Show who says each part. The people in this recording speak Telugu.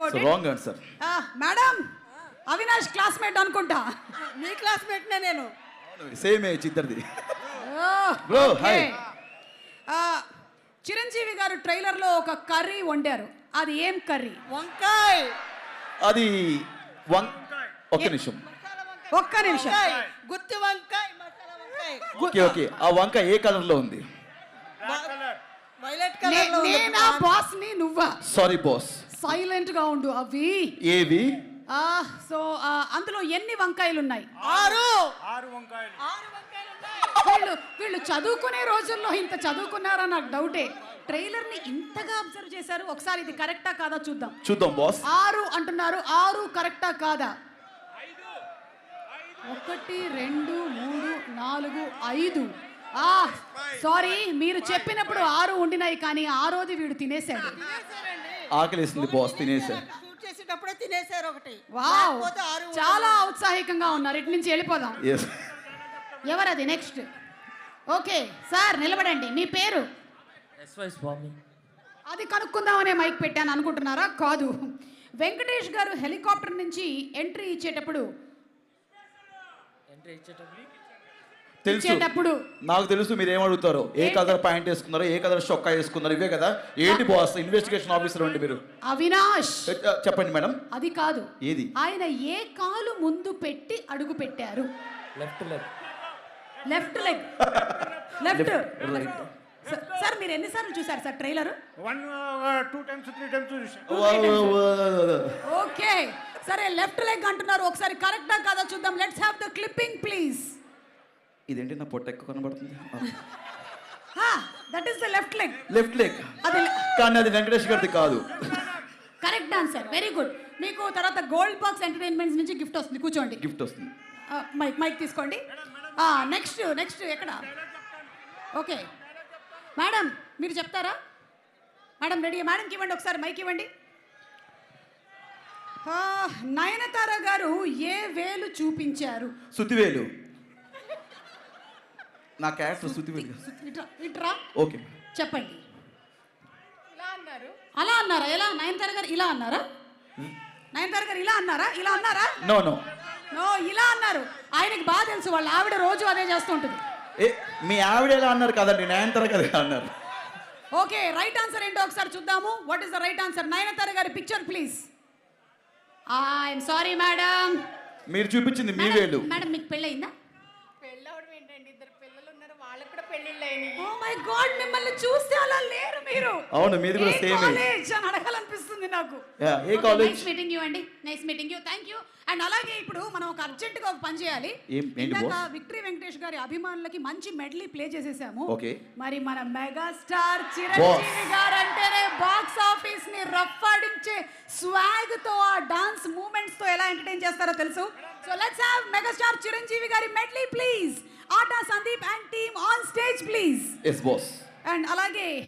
Speaker 1: About it.
Speaker 2: Wrong answer.
Speaker 1: Madam, Avinash classmate అనుకుంటా.
Speaker 3: మీ క్లాస్మేట్నే నేను.
Speaker 2: సేమ్ ఏజ్ ఇద్దరిది. Bro, hi.
Speaker 1: చిరంజీవి గారు ట్రైలర్ లో ఒక కర్రీ వండారు. అది ఏం కర్రీ?
Speaker 3: వంకాయ్.
Speaker 2: అది ఒక్క నిమిషం.
Speaker 1: ఒక్క నిమిషం.
Speaker 3: గుత్తి వంకాయ్, మసాలా వంకాయ్.
Speaker 2: ఓకే ఓకే, ఆ వంక ఏ కలర్ లో ఉంది?
Speaker 3: వైలెట్ కలర్ లో ఉంది.
Speaker 1: నేనా బాస్ ని నువ్వా?
Speaker 2: Sorry boss.
Speaker 1: సైలెంట్ గా ఉండు. అవి
Speaker 2: ఏవి?
Speaker 1: సో అందులో ఎన్ని వంకాయలు ఉన్నాయి?
Speaker 3: 6
Speaker 4: వంకాయలు.
Speaker 3: 6 వంకాయలు ఉన్నాయి.
Speaker 1: వీళ్ళు చదువుకునే రోజుల్లో ఇంత చదువుకున్నారా నాకు డౌటే. ట్రైలర్ ని ఇంతగా అబ్జర్వ్ చేశారు. ఒకసారి ఇది కరెక్టా కాదా చూద్దాం.
Speaker 2: చూద్దాం బాస్.
Speaker 1: 6 అంటున్నారు. 6 కరెక్టా కాదా? 1 2 3 4 5. సారీ, మీరు చెప్పినప్పుడు 6 ఉండినాయి కానీ 6ది వీడు తినేశాడు.
Speaker 2: ఆకలిస్తుంది బాస్, తినేసా.
Speaker 3: షూట్ చేసేటప్పుడే తినేశారు ఒకటి.
Speaker 1: వావ్,
Speaker 3: లేకపోతే 6
Speaker 1: చాలా ఉత్సాహికంగా ఉన్నారు. ఇటు నుంచి వెళ్ళిపోదాం.
Speaker 2: Yes.
Speaker 1: ఎవరది నెక్స్ట్? ఓకే సార్, నిలబడండి. మీ పేరు?
Speaker 4: ఎస్వై స్వామి.
Speaker 1: అది కనుక్కుందామనే మైక్ పెట్టాను అనుకుంటున్నారా? కాదు. వెంకటేష్ గారు హెలికాప్టర్ నుంచి ఎంట్రీ ఇచ్చేటప్పుడు
Speaker 2: తెలుసు, నాకు తెలుసు మీరు ఏమడుగుతారో. ఏ కలర్ ప్యాంట్ వేసుకున్నారో, ఏ కలర్ చొక్కా వేసుకున్నారు, ఇవే కదా. ఏంటి బాస్, ఇన్వెస్టిగేషన్ ఆఫీసర్ అండి మీరు.
Speaker 1: అవినాష్,
Speaker 2: చెప్పండి మేడం.
Speaker 1: అది కాదు.
Speaker 2: ఏది?
Speaker 1: ఆయన ఏ కాలు ముందు పెట్టి అడుగు పెట్టారు?
Speaker 4: Left leg.
Speaker 1: Left leg. Left. Sir, మీరు ఎన్నిసార్లు చూసారు సార్ ట్రైలర్?
Speaker 4: 1 2 times 3 times చూసాను.
Speaker 1: ఓకే సరే, లెఫ్ట్ లెగ్ అంటున్నారు. ఒకసారి కరెక్టా కాదా చూద్దాం. Let's have the clipping please.
Speaker 2: ఇదేంటి నా పొట్ట ఎక్కువ కనబడుతుంది?
Speaker 1: That is the left leg.
Speaker 2: Left leg
Speaker 1: అది
Speaker 2: కానీ అది వెంకటేష్ గారిది కాదు.
Speaker 1: Correct answer, very good. మీకు తర్వాత గోల్డ్ బాక్స్ ఎంటర్టైన్మెంట్స్ నుంచి గిఫ్ట్ వస్తుంది. కూర్చోండి.
Speaker 2: గిఫ్ట్ వస్తుంది.
Speaker 1: మైక్ తీసుకోండి. నెక్స్ట్ ఎక్కడ? ఓకే మేడం, మీరు చెప్తారా? Madam ready? మేడంకి ఇవ్వండి ఒకసారి మైక్ ఇవ్వండి. నయనతార గారు ఏ వేలు చూపించారు?
Speaker 2: సుతివేలు. నా క్యారెక్టర్ సుతివేలు.
Speaker 1: ఇట్రా.
Speaker 2: ఓకే
Speaker 1: చెప్పండి.
Speaker 3: ఇలా అన్నారు.
Speaker 1: అలా అన్నారా? ఎలా? నయనతార గారు ఇలా అన్నారా? నయనతార గారు ఇలా అన్నారా? ఇలా అన్నారా?
Speaker 2: నో నో
Speaker 1: నో, ఇలా అన్నారు. ఆయనకి బాగా తెలుసు, వాళ్ళ ఆవిడ రోజు అదే చేస్తూ ఉంటుంది.
Speaker 2: మీ ఆవిడ ఎలా అన్నారు కదండి, నయనతార కదా అన్నారు.
Speaker 1: ఓకే, రైట్ ఆన్సర్ ఏంటో ఒకసారి చూద్దాము. What is the right answer? Nayanthara గారి picture please. I'm sorry madam.
Speaker 2: మీరు చూపించింది మీ వేలు.
Speaker 1: మేడం, మీకు పెళ్ళయిందా?
Speaker 3: పెళ్ళవడం ఏంటండి, 2 పిల్లలు ఉన్నారు, వాళ్ళకి కూడా పెళ్ళిళ్ళు అయినాయి.
Speaker 1: ఓ మై గాడ్, మిమ్మల్ని చూస్తే అలా లేరు మీరు.
Speaker 2: అవును, మీది కూడా సేమ్
Speaker 1: కాలేజ్ అని అడగాలనిపిస్తుంది నాకు.
Speaker 2: ఏ కాలేజ్?
Speaker 1: నైస్ మీటింగ్ యూ అండి. Nice meeting you. Thank you. And అలాగే ఇప్పుడు మనం ఒక అర్జెంట్ గా ఒక పని చేయాలి. ఇందాక విక్టరీ వెంకటేష్ గారి అభిమానులకి మంచి మెడలీ ప్లే చేసేసాము.
Speaker 2: ఓకే,
Speaker 1: మరి మన మెగాస్టార్ చిరంజీవి గారు అంటేనే బాక్స్ ఆఫీస్ ని రఫాడించే స్వాగ్ తో, ఆ డాన్స్ మూమెంట్స్ తో ఎలా ఎంటర్టైన్ చేస్తారో తెలుసు. So let's have megastar Chiranjeevi గారి medley please. ATA Sandeep and team on stage please.
Speaker 2: Yes boss.
Speaker 1: And అలాగే